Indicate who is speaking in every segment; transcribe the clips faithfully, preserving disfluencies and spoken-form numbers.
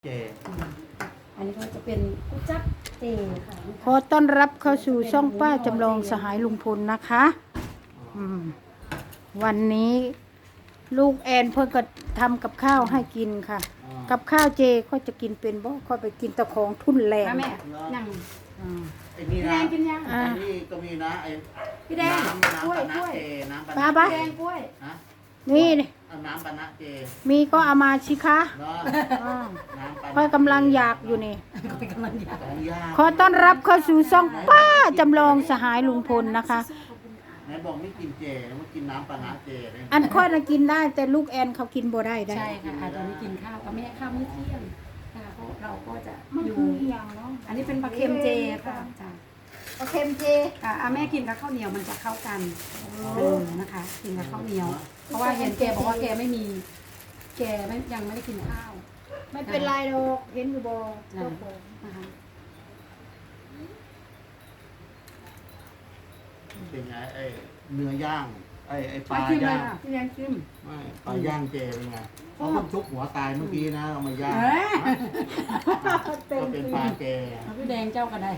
Speaker 1: เจ
Speaker 2: อันนี้ก็จะเป็นกุจับเจค่ะ
Speaker 3: ขอต้อนรับเข้าสู่ช่องป้าจำลองสหายลุงพลนะคะอืมวันนี้ลูกแอนเพิ่งก็ทำกับข้าวให้กินค่ะ กับข้าวเจก็จะกินเป็นบ่ค่อยไปกินตะของทุ่นแรง
Speaker 2: แม่ยัง
Speaker 3: อืม
Speaker 1: ไอ้นี่
Speaker 2: พี่แด
Speaker 1: นะ
Speaker 2: งกินยัง
Speaker 3: อ่า
Speaker 1: ไอ้นี่ก็มีนะไอ้
Speaker 2: พี่แดง
Speaker 1: น้ำน้ำ
Speaker 2: กล้วย
Speaker 1: ปะนะ
Speaker 2: กล้วย
Speaker 1: เจน้ำปะ
Speaker 3: ป้า
Speaker 1: นะ
Speaker 3: ปะ
Speaker 2: พี่แดงกล้วย
Speaker 1: ฮะ
Speaker 3: นี่นี่
Speaker 1: เอาน้ำปะนะเจ
Speaker 3: มีก็เอามาสิคะ
Speaker 1: เนาะ
Speaker 3: อ่า
Speaker 1: น้ำปะนะ
Speaker 3: ค่อยกำลังอยากอยู่นี่
Speaker 2: เป็นกำลังอยาก
Speaker 1: ของย่าง
Speaker 3: ขอต้อนรับเข้าสู่ช่องป้าจำลองสหายลุงพลนะคะ
Speaker 1: ไหนบอกไม่กินเจไม่กินน้ำปะนะเจเลย
Speaker 3: อันค่อยน่ะกินได้แต่ลูกแอนเขากินบ่ได้ได้
Speaker 2: ใช่ค่ะอาจจะไม่กินข้าวกับแม่ข้าวมื้อเที่ยงค่ะเพราะเราก็จะ
Speaker 3: มัน
Speaker 2: อยู่
Speaker 3: คืออย่างเนาะ
Speaker 2: อันนี้เป็นปลาเค็มเจค่ะจ้ะ
Speaker 3: ปลาเค็มเจ
Speaker 2: อ่ะอ่ะแม่กินกับข้าวเหนียวมันจะเข้ากันเออนะคะ กินกับข้าวเหนียว เพราะว่าเห็นแกบอกว่าแกไม่มี แกไม่ยังไม่ได้กินข้าว
Speaker 3: ไม่เป็นไรหรอกเห็นอยู่บ่
Speaker 2: นะ
Speaker 3: เจ้าของ
Speaker 2: นะคะ
Speaker 1: เป็นไงไอ้เนื้อย่างไอ้ไอ้ปลา
Speaker 2: มาชิมเล
Speaker 1: ย่าย ง
Speaker 2: ค่ะพี่แดงชิม
Speaker 1: ไม่ปลาย่างเจเป็นไงเขาเพิ่งชุบหัวตายเมื่อกี้นะเอามาย่าง
Speaker 2: เอ้ย
Speaker 1: ก็เป็นปลาเจ
Speaker 2: เอาพี่แดงเจ้าก็ได้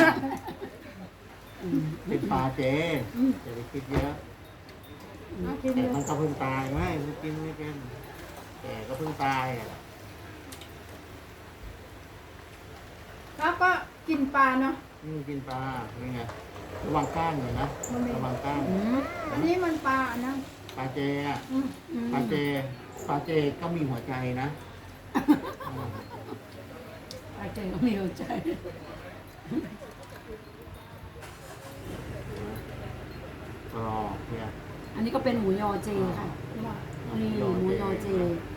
Speaker 2: อืม
Speaker 1: เป็นปลาเจจะไปคิดเยอะ
Speaker 3: เอากิน
Speaker 1: แต่
Speaker 3: เลย
Speaker 1: มันก็เพิ่งตายไม่ไม่กินไม่เป็นแต่ก็เพิ่งตายอ่ะ
Speaker 3: แล้วก็กินปลาเนาะ
Speaker 1: นี่กินปลาเป็นไงระวังก้างหน่อยนะระวังก้าง
Speaker 2: อืม
Speaker 3: อันนี้มันปลานะ
Speaker 1: ปลาเจอ่ะ
Speaker 3: อืม
Speaker 2: อืม
Speaker 1: ปลาเจปลาเจก็มีหัวใจนะ
Speaker 2: อาเจก็มีหัวใจ
Speaker 1: กรอบเนี่ย
Speaker 2: อันนี้ก็เป็นหมูยอเจค่ะ นี่หมูยอเจ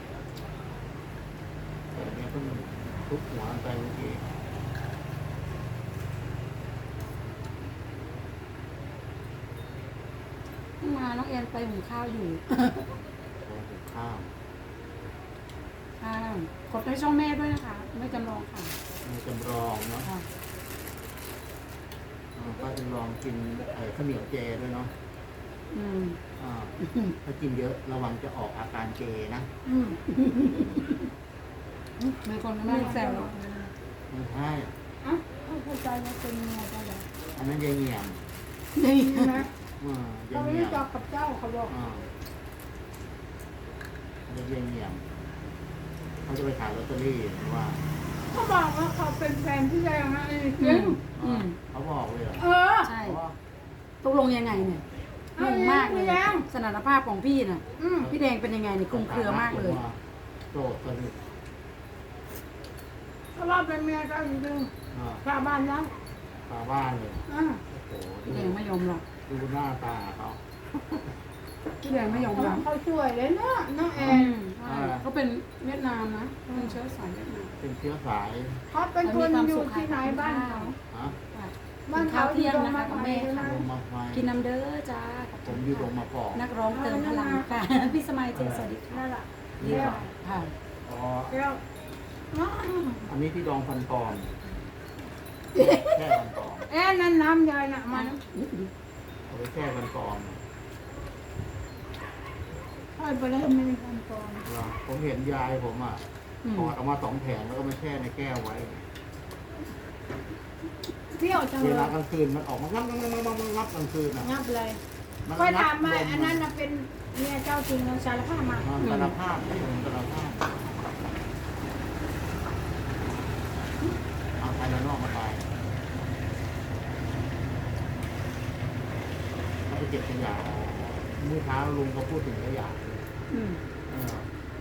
Speaker 1: แต่อันนี้เพิ่งทุบหัวไปเมื่อกี้
Speaker 2: เพิ่งมาน้องแอนไปหุงข้าวอยู่
Speaker 1: โอ้โหข้าว
Speaker 2: ค่ะกดในช่องแม่ด้วยนะคะ ไม่จำลองค่ะ
Speaker 1: มีจำลองเนาะ
Speaker 2: ค่ะ
Speaker 1: อ่าก็จำลองกินไอ้ข้าวเหนียวเจด้วยเนาะ
Speaker 2: อืม
Speaker 1: อ่าถ้ากินเยอะระวังจะออกอาการเจนะ
Speaker 3: อืม
Speaker 2: มีคนไม่แซว
Speaker 1: ไม่ใช่
Speaker 3: อ่ะเข้าใจว่าเป็นยังไงก็ได้
Speaker 1: อันนั้นยายเหนียม
Speaker 2: นี่
Speaker 3: นะ
Speaker 1: อ่า
Speaker 3: เรา
Speaker 1: ยาย
Speaker 3: ไม่
Speaker 1: เหนี
Speaker 3: ได้
Speaker 1: ยม
Speaker 3: จอกกับเจ้าเขาบอก
Speaker 1: อ่าเยายเหนียมเขาจะไปขายลอตเตอรี่เพราะว่า
Speaker 3: เขาบอกว่าเขาเป็นแฟนพี่แดงนะจริง
Speaker 2: อืม
Speaker 1: เขาบอกเลยเหรอ
Speaker 3: เออ
Speaker 2: ใช่
Speaker 1: เพราะว่า
Speaker 2: ตกลงยังไงเนี่ยงงมากเลย
Speaker 3: พี่แดง
Speaker 2: สถานภาพของพี่น่ะ
Speaker 3: อืม
Speaker 2: พี่แดงเป็นยังไงเนี่ยคลุมเครือมากเลย
Speaker 1: โจทย์สนิท
Speaker 3: เขาว่าเป็นเมียเจ้าจริง
Speaker 1: อ่า
Speaker 3: ๆชาวบ้านนะ
Speaker 1: ตาบ้านเลย
Speaker 3: อ่า
Speaker 1: โอ้โห
Speaker 2: พี่แดงไม่ยอมหรอก
Speaker 1: ดูหน้าตาเขา
Speaker 2: พี่แดงไม่ยอมรับ
Speaker 3: เขาช่วยเลยเนาะน้องแอ
Speaker 2: อื
Speaker 3: น
Speaker 2: มใช่เขาเป็นเวียดนามนะเป็นเชื้อสายเวียดนาม
Speaker 1: เป็นเชื้อสาย
Speaker 3: เขาเป็นคนอยู่ที่ไหนบ้านเขา
Speaker 1: ฮะ
Speaker 3: บ้านเขาอยู่ตรงมาไทยนะ
Speaker 1: ลงมาไฟ
Speaker 2: กินน้ำเด้อจ้า
Speaker 1: ผมอยู่ลงมาปอก
Speaker 2: นักร้องเติมพลังค่ะ พี่สมัยเจสวัสดีค่ะ
Speaker 3: นั่นแหละ
Speaker 1: นี่
Speaker 3: แก้ว
Speaker 1: ค่ะ
Speaker 2: ค่ะ
Speaker 1: อ๋อ
Speaker 3: แก้วน้อง
Speaker 1: อันนี้ที่ดองฟันปลอมแค่ฟันปลอม
Speaker 3: แอนนั่นน้ำยายน่ะมัน
Speaker 1: เอาไปแค่ฟันปลอม
Speaker 3: ค่อยไปเลยไม่มีความปลอม
Speaker 1: เหรอผมเห็นยายผมอ่ะ
Speaker 2: อืม
Speaker 1: ถอดออกมาสองแผงแล้วก็มาแช่ในแก้วไว้
Speaker 3: เปรี้ยวจัง
Speaker 1: เว
Speaker 3: เล
Speaker 1: ลาย กลางคืนมันออกมางับงับงับงับงับงับกลางคืนอ่ะ
Speaker 3: งับเลย
Speaker 1: มัน
Speaker 3: ค่อย
Speaker 1: งับ
Speaker 3: ถามมา
Speaker 1: ล
Speaker 3: อันนั้นน่ะเป็นเมียเจ้าจริงเราสารภาพมา
Speaker 1: อ่าสารภาพไม่ผมสารภาพเอาภายในนอกมาตายเขาไปเก็บขยะเมื่อเช้าลุงก็พูดถึงขยะ
Speaker 2: อืม
Speaker 1: เออ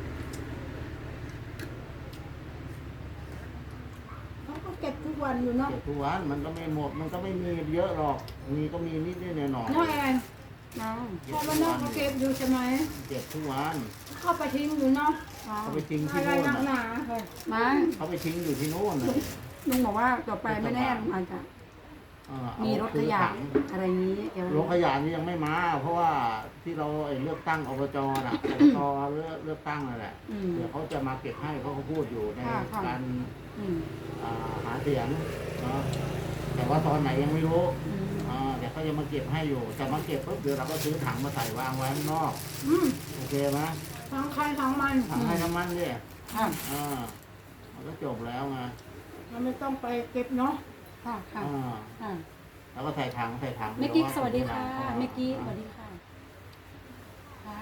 Speaker 3: เขาก็เก็บทุกวันอยู่เนาะ
Speaker 1: เก็บทุกวันมันก็ไม่หมด มันก็ไม่มีเยอะหรอก มีก็มีนิดนิดหน่อยหน่อย
Speaker 3: น้องแอน
Speaker 2: น้อง
Speaker 3: พอมานอกเขาเก็บอยู่ใช่ไหม
Speaker 1: เก็บทุกวัน
Speaker 3: เข้าไปทิ้งอยู่เนาะ
Speaker 2: น้อง
Speaker 1: เขาไปทิ้งที่
Speaker 3: อะไร
Speaker 1: โน่น
Speaker 3: นักห
Speaker 1: น่ะ
Speaker 3: นาค่ะ
Speaker 2: มา
Speaker 1: เขาไปทิ้งอยู่ที่โน่นน่ะ
Speaker 2: ลุงบอกว่าต่อไปไม่แน่ลุงอาจจะ
Speaker 1: เออเอา
Speaker 2: มีรถขยะ
Speaker 1: ซื้อถัง
Speaker 2: อะไรนี้เดี๋ยว
Speaker 1: รถขยะนี่ยังไม่มา เพราะว่าที่เราไอ้เลือกตั้งอบจน่ะ อบจเลือกเลือกตั้งนั่นแหละ
Speaker 2: อืม
Speaker 1: เดี๋ยวเขาจะมาเก็บให้เขาก็พูดอยู่ใน
Speaker 2: ค่ะค่ะ
Speaker 1: การ
Speaker 2: อืม
Speaker 1: อ่าหาเสียงเนาะแต่ว่าตอนไหนยังไม่รู้
Speaker 2: อืม
Speaker 1: อ่าเดี๋ยวเขาจะมาเก็บให้อยู่แต่มาเก็บปุ๊บเดี๋ยวเราก็ซื้อถังมาใส่วางไว้ข้างนอก
Speaker 3: อืม
Speaker 1: โอเคไหม
Speaker 3: ทั้งใครทั้งมัน
Speaker 1: ถังให้น้ำมันเนี่ย
Speaker 2: ค่ะ
Speaker 1: อ่ามันก็จบแล้วไง
Speaker 3: เราไม่ต้องไปเก็บเนาะ
Speaker 2: ค่ะค่ะ
Speaker 1: อ่า
Speaker 2: ค่ะ
Speaker 1: แล้วก็ใส่ถังใส่ถัง
Speaker 2: เมกี้
Speaker 1: ดี๋ย
Speaker 2: สวัสดีค่ะ
Speaker 1: อ่า
Speaker 2: เมกี้สวัสดีค่ะค่ะ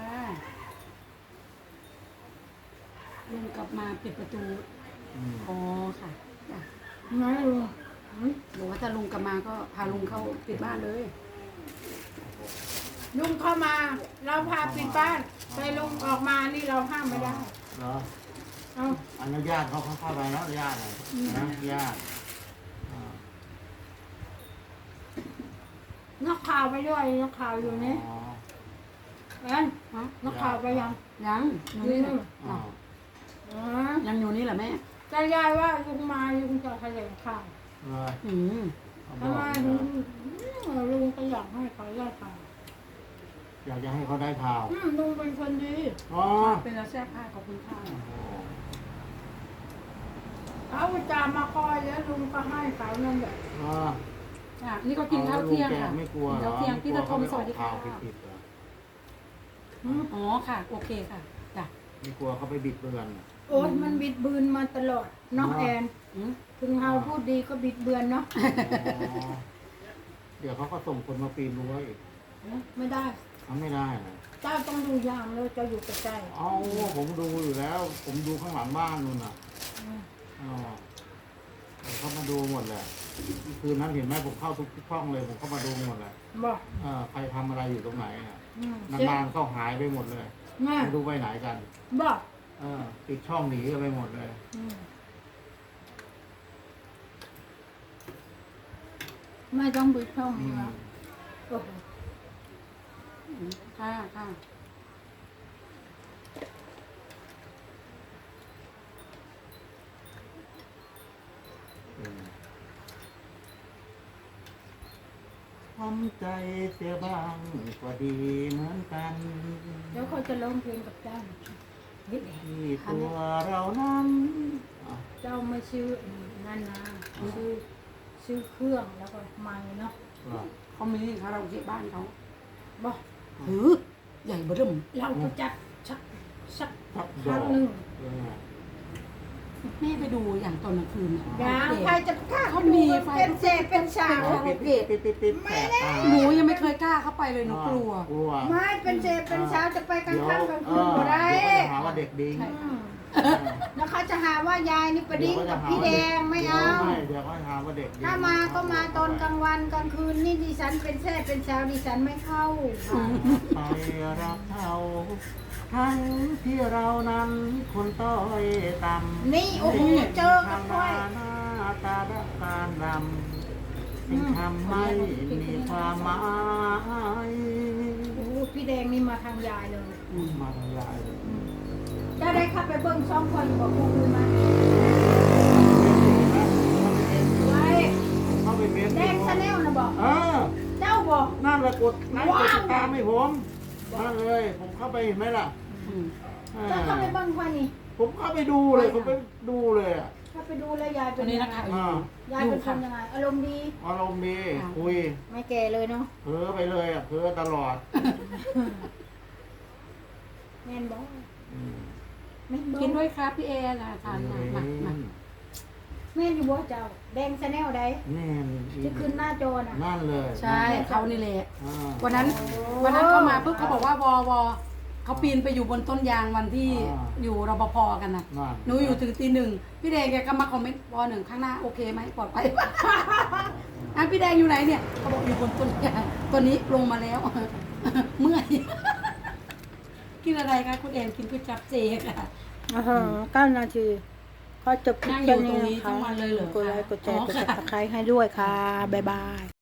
Speaker 2: ลุงกลับมาปิดประตู
Speaker 1: อืม
Speaker 2: อ๋อค่ะจ้ะ
Speaker 3: ไงลุง
Speaker 2: หรือว่าถ้าลุงกลับมาก็พาลุงเข้าปิดบ้านเลย
Speaker 3: ลุงเข้ามา เราพาปิดบ้านแต่ลุงออกมานี่เราห้ามไม่ได้
Speaker 1: เหรอ
Speaker 3: เอา
Speaker 1: อันนี้ญาติเขาเขาเข้าไปแล้วญาติเลยนะญาติอ่า
Speaker 3: นักข่าวไปด้วยนักข่าวอยู่นี่
Speaker 1: อ๋อ
Speaker 3: แอนฮะนักข่าวไปยัง
Speaker 2: ยังอยู่นี่แหละ
Speaker 1: อ๋อ
Speaker 3: อ๋อ
Speaker 2: ยังอยู่นี่แหละแม่
Speaker 3: แต่ยายว่าลุงมาลุงจะแถลงข่าว
Speaker 1: เลย
Speaker 2: อืม
Speaker 1: เขาบ
Speaker 3: ทำ
Speaker 1: อก
Speaker 3: ไม
Speaker 1: เล
Speaker 3: ลุ
Speaker 1: ย
Speaker 3: งลุงก็อยากให้เขาได้ข่าว
Speaker 1: อยากจะให้เขาได้ข่าว
Speaker 3: อืมลุงเป็นคนดี
Speaker 1: อ๋อ
Speaker 2: เป็นแล้วแซ่บผ้าขอบคุณค่ะ
Speaker 3: เขาจะมาคอยแล้วลุงก็ให้เขานั่นแหละ
Speaker 1: อ๋อ
Speaker 2: ค่ะนี่ก็กินข้าวเที่ยง
Speaker 1: ลุแก
Speaker 2: ค่ะ
Speaker 1: ไม่กลัวเหร
Speaker 2: ข้า
Speaker 1: อ
Speaker 2: วเที่ยงพี่ตะทมสวัสดีค่ะ
Speaker 1: ไม่กลัวเขาไปออกข่าวผิดๆเหรอ
Speaker 3: อืม
Speaker 2: อ๋อค่ะ โอเคค่ะจ้ะ
Speaker 1: ไม่กลัวเขาไปบิดเบือน
Speaker 3: โอ๊ยมันบิดเบือนมาตลอดเนาะแอน
Speaker 2: อืม
Speaker 3: ถึงเราพูดดีก็บิดเบือนเนาะ
Speaker 1: อ๋อเดี๋ยวเขาก็ส่งคนมาปีนรั้วอีก
Speaker 3: ไม่ได้
Speaker 1: ทำไม่ได้นะ
Speaker 3: เจ้าต้องดูอย่างเลยเจะอยู่ใกล้
Speaker 1: เอาผมดูอยู่แล้ว ผมดูข้างหลังบ้านนู่นน่ะ
Speaker 3: ๆอืม
Speaker 1: อ๋อเขามาดูหมดเลยคืนนั้นเห็นไหมผมเข้าทุกช่องเลยผมเข้ามาดูหมดเลย
Speaker 3: บอก
Speaker 1: เออใครทำอะไรอยู่ตรงไหนอ่ะ
Speaker 3: อืม
Speaker 1: นานๆก็หายไปหมดเลย
Speaker 3: แม่
Speaker 1: ไม่รู้ไปไหนกัน
Speaker 3: บอก
Speaker 1: เออปิดช่องหนีกันไปหมดเลย
Speaker 3: อืมไม่ต้องบิดช่อง
Speaker 1: อื
Speaker 3: นี้
Speaker 1: ม
Speaker 3: แล้วโอ้โห
Speaker 2: ค่ะค่ะ
Speaker 1: อืมทำใจเสียบ้างก็ดีเหมือนกัน
Speaker 3: เดี๋ยวเขาจะร้องเพลงกับเจ้าเฮ้ย
Speaker 1: ที่ตัวเรานั้นอ่ะ
Speaker 3: เจ้าไม่ชื่อนั่นนะชื่อชื่อเครื่องแล้วก็ไม้เนาะ
Speaker 1: เหรอ
Speaker 2: เขามีคาราโอเกะบ้านเขา
Speaker 3: บอก
Speaker 2: หือใหญ่เบอร์เริ่ม
Speaker 3: เราก็จัดสักสัก
Speaker 1: ทับ
Speaker 3: ค
Speaker 1: ดอ
Speaker 3: รั้ง
Speaker 1: ก
Speaker 3: หนึ่ง
Speaker 1: เออ
Speaker 2: แม่ไปดูอย่างตอนกลางคืนน่ะ
Speaker 3: อย่างใครจะกล้า
Speaker 2: เขามีไฟ
Speaker 3: เป็นเศษเป็นสาว
Speaker 1: ปิดปิดปิดปิดปิดแสบตา
Speaker 2: หนูยังไม่เคยกล้าเข้าไปเลยหนูกลัว
Speaker 1: กลัว
Speaker 3: ไม่เป็นเศษเป็นสาวจะไปกลาง
Speaker 1: เดี๋ยว
Speaker 3: ค่ำกลาง
Speaker 1: เอ
Speaker 3: คืน
Speaker 1: อ
Speaker 3: บ่ได้
Speaker 1: เดี๋ยวเขาจะหาว่าเด็กดิ้ง
Speaker 2: ใช่
Speaker 3: อืม
Speaker 1: เออ
Speaker 3: แล้วเขาจะหาว่ายายนี่ประดิ้งกับพี่แดงไม่เอา
Speaker 1: ไม่เดี๋ยวเขาหาว่าเด็กดิ้ง
Speaker 3: ถ้ามาก็มาตอนกลางวันกลางคืนนี่ดิฉันเป็นแท้เป็นสาวดิฉันไม่เข้า
Speaker 1: ไปรักเขาทั้งที่เรานั้นคนต้อยต่ำ
Speaker 3: นี่โอ้โหเจอกับ
Speaker 1: ทำ
Speaker 3: ค่อ
Speaker 1: มาย หน้าตาดักตาดำสิ่งทำไม่มีความหมาย
Speaker 3: โอ้โหพี่แดงนี่มาทางยายเลย
Speaker 1: มาทำลายเลย
Speaker 3: จะได้เข้าไปเบิ้งช่องคอยอยู่กับพวกคุณไหมไว้
Speaker 1: เข้าไปเม้นต์
Speaker 3: แดงชาแนลนะบอก
Speaker 1: เออ
Speaker 3: เจ้าบอก
Speaker 1: นั่นแหละกดไลค์ก
Speaker 3: ว้า
Speaker 1: ด
Speaker 3: ว
Speaker 1: ติดตามให้ผมนั่นเลย ผมเข้าไปเห็นไหมล่ะ
Speaker 2: อืม
Speaker 1: อ่า
Speaker 3: จะเข้าไปเบิ้งค่อยนี่
Speaker 1: ผมเข้าไปดูเลยผมไปดูเลยอ่ะ
Speaker 3: เข้าไปดูแล้วยาย
Speaker 2: ต
Speaker 3: เป็
Speaker 2: อน
Speaker 3: น
Speaker 2: นี้
Speaker 3: ยั
Speaker 2: นะ
Speaker 3: งไง
Speaker 2: คะ
Speaker 1: อ่า
Speaker 3: ยายเป็นคนยังไงอารมณ์ดี
Speaker 1: อารมณ์ดีคุย
Speaker 3: ไม่แก่เลยเนาะ
Speaker 1: เพ้อไปเลยอ่ะเพ้อตลอด
Speaker 3: แม่นบอก
Speaker 1: อืม
Speaker 3: แม่นบอก
Speaker 2: กินด้วยครับพี่เอนะทานมามามา
Speaker 3: แม่นอยู่บ่เจ้า แดงชาแนลใด
Speaker 1: แน่น
Speaker 3: ที่ขึ้นหน้าจอน่ะ
Speaker 1: นั่นเลย
Speaker 2: ใช่เขานี่แหละ
Speaker 1: อ่า
Speaker 2: วันนั้นวันนั้นเขามาปุ๊บเขาบอกว่าวอวอเขาปีนไปอยู่บนต้นยางวันที่อยู่รปภกันน่ะ
Speaker 1: นั่น
Speaker 2: หนูอยู่ถึงตีหนึ่งพี่แดงแกก็มาคอมเมนต์วอหนึ่งข้างหน้าโอเคไหมปลอดภัย อ่ะพี่แดงอยู่ไหนเนี่ยเขาบอกอยู่บนต้นยางตัวนี้ลงมาแล้ว เมื่อย กินอะไรคะคุณแอนกินก๋วยจั๊บเจค่ะ
Speaker 3: อ่าฮะเก้านาทีก็จบคลิป
Speaker 2: นั่งอยู่
Speaker 3: แค่
Speaker 2: ตรงนี้
Speaker 3: ะคะ
Speaker 2: ทั้งวันเลยเหรอ
Speaker 3: กดไลค์กดแชร์
Speaker 2: อ๋อก
Speaker 3: ด
Speaker 2: ค่ะ
Speaker 3: ซับสไครต์ให้ด้วยค่ะ บ๊ายบาย